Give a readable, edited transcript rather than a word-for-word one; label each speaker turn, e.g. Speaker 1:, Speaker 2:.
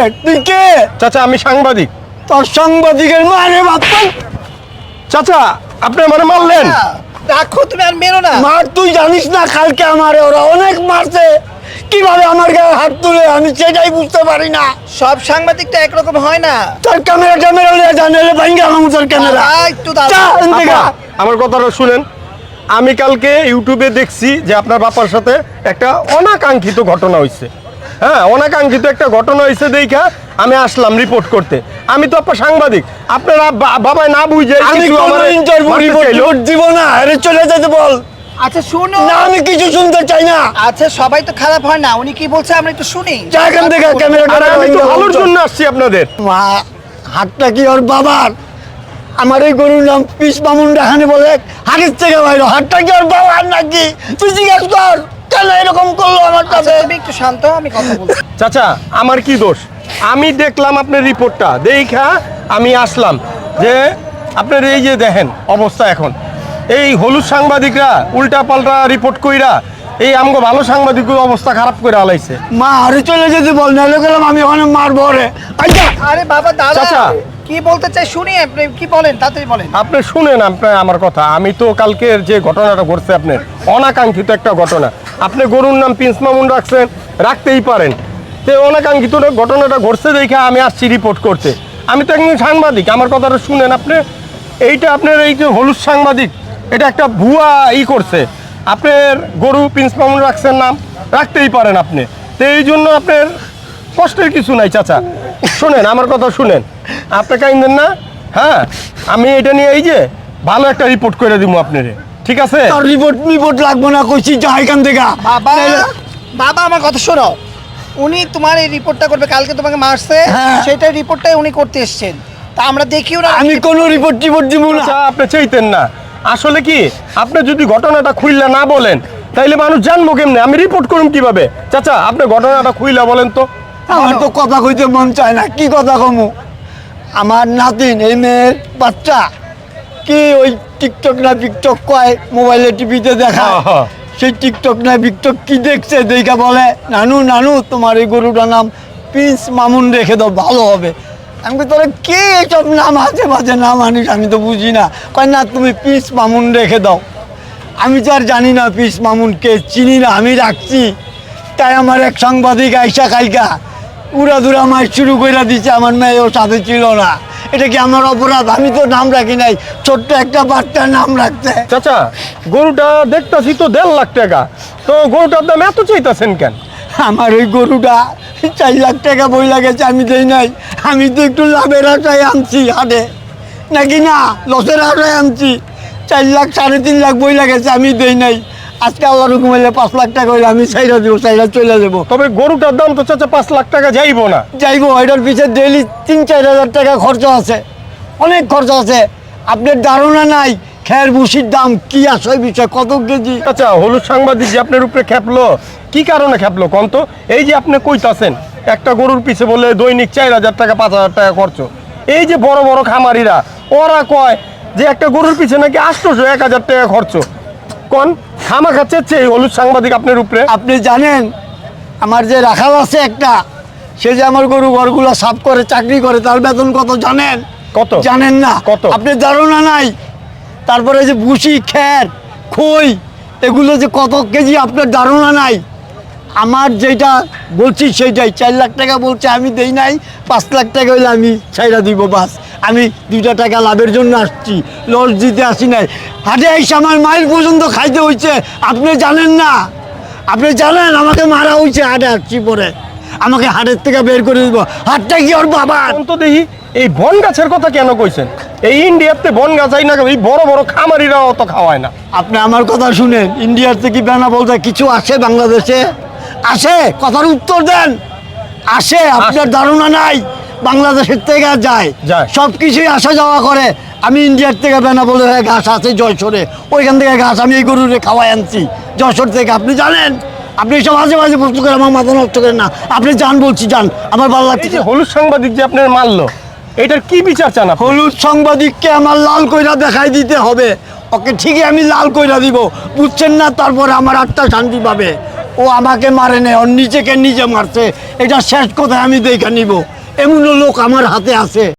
Speaker 1: তুই কে?
Speaker 2: চাচা আমি সাংবাদিক।
Speaker 1: তোর সাংবাদিকের মারে বাপ্পা।
Speaker 2: চাচা আপনি মানে মারলেন?
Speaker 3: রাখো, তুমি আর মেরো না।
Speaker 1: মার তুই জানিস না, কালকে আমারে ওরা অনেক মারছে। কিভাবে আমার গায়ে হাত তুলে আমি সেটাই বুঝতে পারি না।
Speaker 3: সব সাংবাদিকটা একরকম হয় না।
Speaker 1: তোর ক্যামেরা লিয়ে জানালে ভাঙ্গে আমার তোর ক্যামেরা।
Speaker 3: একটু দাঁড়াও।
Speaker 2: আপা, আমার কথাটা শুনেন। আমি কালকে ইউটিউবে দেখছি যে আপনার বাবার সাথে একটা অনাকাঙ্ক্ষিত ঘটনা হয়েছে। হ্যাঁ, অনাকাঙ্ক্ষিত একটা ঘটনা হয়েছে দেখা আমি আসলাম রিপোর্ট করতে। আমি তো আপনার সাংবাদিক, আপনারা বাবাই না বুঝে
Speaker 1: আমি কোনো ইন্টারভিউ রিপোর্ট দিব না। আরে চলে যেতে বল।
Speaker 3: আচ্ছা শুনো
Speaker 1: না, আমি কিছু শুনতে চাই না।
Speaker 3: আচ্ছা সবাই তো খারাপ হয় না, উনি কি বলছে আমরা একটু শুনি।
Speaker 1: যা এখান থেকে, ক্যামেরাটা
Speaker 2: আমি তো ভালোর জন্য আসছি আপনাদের।
Speaker 1: মা, হাতটা কি ওর বাবার? আমার এই গরুর নাম পিস মামুন রাখানি বলে হাড়ির থেকে বাইরে। হাতটা কি ওর বাবার নাকি? তুই জিজ্ঞেস কর কেন এরকম করলো আমার
Speaker 3: আচ্ছা,
Speaker 1: সাথে।
Speaker 3: তুমি একটু শান্ত হও, আমি কথা বলছি।
Speaker 2: চাচা আমার কি দোষ? আমি দেখলাম আপনার রিপোর্টটা, দেখা আমি আসলাম যে আপনার এই যে দেখেন অবস্থা এখন, এই হলুদ সাংবাদিকরা উল্টা পাল্টা রিপোর্ট কইরা এই আমগো ভালো সাংবাদিকের অবস্থা খারাপ করে আলাইছে।
Speaker 1: মা আরে চলে যেতে বল, নাহলে গেলাম আমি ওখানে মারবো রে। আচ্ছা
Speaker 3: আরে বাবা দাদা,
Speaker 2: চাচা।
Speaker 3: কি বলতে চাই শুনি, আপনি কি বলেন তাড়াতাড়ি বলেন।
Speaker 2: আপনি শুনেন আপনি আমার কথা। আমি তো কালকের যে ঘটনাটা ঘটছে আপনার অনাকাঙ্ক্ষিত একটা ঘটনা। আপনি গরুর নাম প্রিন্স মামুন রাখছেন, রাখতেই পারেন। তো অনাকাঙ্ক্ষিত ঘটনাটা ঘটছে দেখে আমি আসছি রিপোর্ট করতে। আমি তো একজন সাংবাদিক, আমার কথাটা শুনেন আপনি। এইটা আপনার এই যে হলুদ সাংবাদিক, এটা একটা ভুয়া করছে। আপনার গরু প্রিন্স মামুন রাখছেন নাম, রাখতেই পারেন আপনি। তো এই জন্য আপনার কষ্টের কিছু নাই চাচা। শুনেন আমার কথা শুনেন, আপনি কাইন্দেন না। হ্যাঁ, আমি এটা নিয়ে এই যে ভালো একটা রিপোর্ট করে দিব আপনারে, ঠিক আছে?
Speaker 1: তোর রিপোর্ট লাগবো না, কইছি যা এখান থেকে।
Speaker 3: বাবা
Speaker 1: নাহলে-
Speaker 3: বাবা আমার কথা শোনো, উনি তোমার এই রিপোর্টটা করবে। কালকে তোমাকে মারছে,
Speaker 1: হ্যাঁ।
Speaker 3: সেটা রিপোর্টটাই উনি করতে এসেছেন। তা আমরা দেখিও না।
Speaker 1: আমি কোনো রিপোর্ট দিব না।
Speaker 2: আচ্ছা আপনি চাইতেন না। আসলে কি আপনি যদি ঘটনাটা খুইলা না বলেন তাইলে মানুষ জানবো কেমনে? আমি রিপোর্ট করুম কিভাবে? চাচা আপনি ঘটনাটা খুইলা বলেন তো।
Speaker 1: আমার তো কথা কইতে মন চায় না। কি কথা কমু? আমার নাতিন, এই মেয়ের বাচ্চা, কি ওই টিকটক না টিকটক কয়, মোবাইলে টিভিতে দেখা।
Speaker 2: হ্যাঁ, হ্যাঁ।
Speaker 1: সেই টিকটক না টিকটক কি দেখছে, দেখা বলে নানু নানু তোমার এই গরুটার নাম প্রিন্স মামুন রেখে দাও, ভালো হবে। আমি কই তোরা কে এসব নাম আছে বাজে নাম আনিস, আমি তো বুঝি না। কয় না তুমি প্রিন্স মামুন রেখে দাও। আমি তো আর জানি না প্রিন্স মামুনকে, চিনি না, আমি রাখছি। তাই আমার এক সাংবাদিক আইসা কালকা উড়াদুরা মার শুরু করে দিচ্ছে, আমার মেয়েও সাথে ছিল না। এটা কি আমার অপরাধ? আমি তো নাম রাখি নাই, ছোট্ট একটা বাচ্চার নাম রাখতে।
Speaker 2: চাচা গরুটা দেখতাছি তো 1.5 লাখ টাকা, তো গরুটার দাম এত চাইতাছেন কেন?
Speaker 1: আমার ওই গরুটা 4 লাখ টাকা বই লাগেছে, আমি দেই নাই। আমি তো একটু লাভের আশায় আনছি হাটে, নাকি না লসের আশায় আনছি। 4 লাখ 3.5 লাখ বই লাগেছে, আমি দেই নাই। আজকে আল্লাহ রকম হইলে 5 লাখ টাকা হইলে আমি চাইরা দেবো, চাইরা চলে যাবো।
Speaker 2: তবে গরুটার দাম তো চাচা 5 লাখ টাকা যাইবো না।
Speaker 1: যাইবো, এটার পিছিয়ে ডেইলি 3-4 হাজার টাকা খরচা আছে, অনেক খরচা আছে। আপনার ধারণা নাই খের ভুসির দাম কি আছে, ওই বিষয় কত কেজি।
Speaker 2: আচ্ছা হলুদ সাংবাদিক যে আপনার উপরে খেপলো, কি কারণে খেপলো কোন তো? এই যে আপনি কইতাছেন একটা গরুর পিছে বলে দৈনিক 4,000 টাকা 5,000 টাকা খরচ। এই যে বড় বড় খামারিরা ওরা কয় যে একটা গরুর পিছে নাকি 800-1,000 টাকা খরচ। কোন খামা খাচ্ছে এই হলুদ সাংবাদিক আপনার উপরে?
Speaker 1: আপনি জানেন আমার যে রাখাল আছে একটা, সে যে আমার গরু ঘরগুলো সাফ করে চাকরি করে, তার বেতন কত জানেন?
Speaker 2: কত?
Speaker 1: জানেন না?
Speaker 2: কত?
Speaker 1: আপনার ধারণা নাই। তারপরে যে ভুসি খের খই এগুলো যে কত কেজি, আপনার ধারণা নাই। আমার যেটা বলছি সেইটাই, 4 লাখ টাকা বলছে, আমি দেই নাই। 5 লাখ টাকা হইলে আমি ছাইরা দিব, বাস। আমি 2টা টাকা লাভের জন্য আসছি, লস দিতে আসি নাই। হাটে এসে আমার মাইল পর্যন্ত খাইতে হয়েছে, আপনি জানেন না। আপনি জানেন আমাকে মারা হয়েছে হাটে আসছি পরে, আমাকে হাটের থেকে বের করে দিব। হাটটা কি ওর বাবার?
Speaker 2: কোন তো দেখি এই বন গাছের কথা কেন কইছেন? এই ইন্ডিয়াতে বন গাছ হয় না, এই বড় বড় খামারিরা অত খাওয়ায় না।
Speaker 1: আপনি আমার কথা শুনেন, ইন্ডিয়ার থেকে বেনা বলতে কিছু আসে বাংলাদেশে? আসে? কথার উত্তর দেন। আসে? আপনার ধারণা নাই। বাংলাদেশের থেকে যায়,
Speaker 2: যায়।
Speaker 1: সব কিছুই আসা যাওয়া করে। আমি ইন্ডিয়ার থেকে বেনা বলে ঘাস আছে যশোরে, ওইখান থেকে ঘাস আমি এই গরুরে খাওয়াই আনছি যশোর থেকে। আপনি জানেন? আপনি সব মাঝে মাঝে প্রশ্ন করে আমার মাথা নষ্ট করেন না। আপনি যান বলছি, যান, আমার ভালো
Speaker 2: এই
Speaker 1: লাগছে।
Speaker 2: যে হলুদ সাংবাদিক যে আপনার মারলো, এটার কি বিচার চান আপনি?
Speaker 1: হলুদ সাংবাদিককে আমার লাল কইরা দেখাই দিতে হবে। ওকে ঠিকই আমি লাল কইরা দিব, বুঝছেন না? তারপরে আমার আত্মা শান্তি পাবে। ও আমাকে মারে নেই, ওর নিজেকে নিজে মারছে। এটা শেষ কথা আমি দেখে নিব, এমনও লোক আমার হাতে আছে।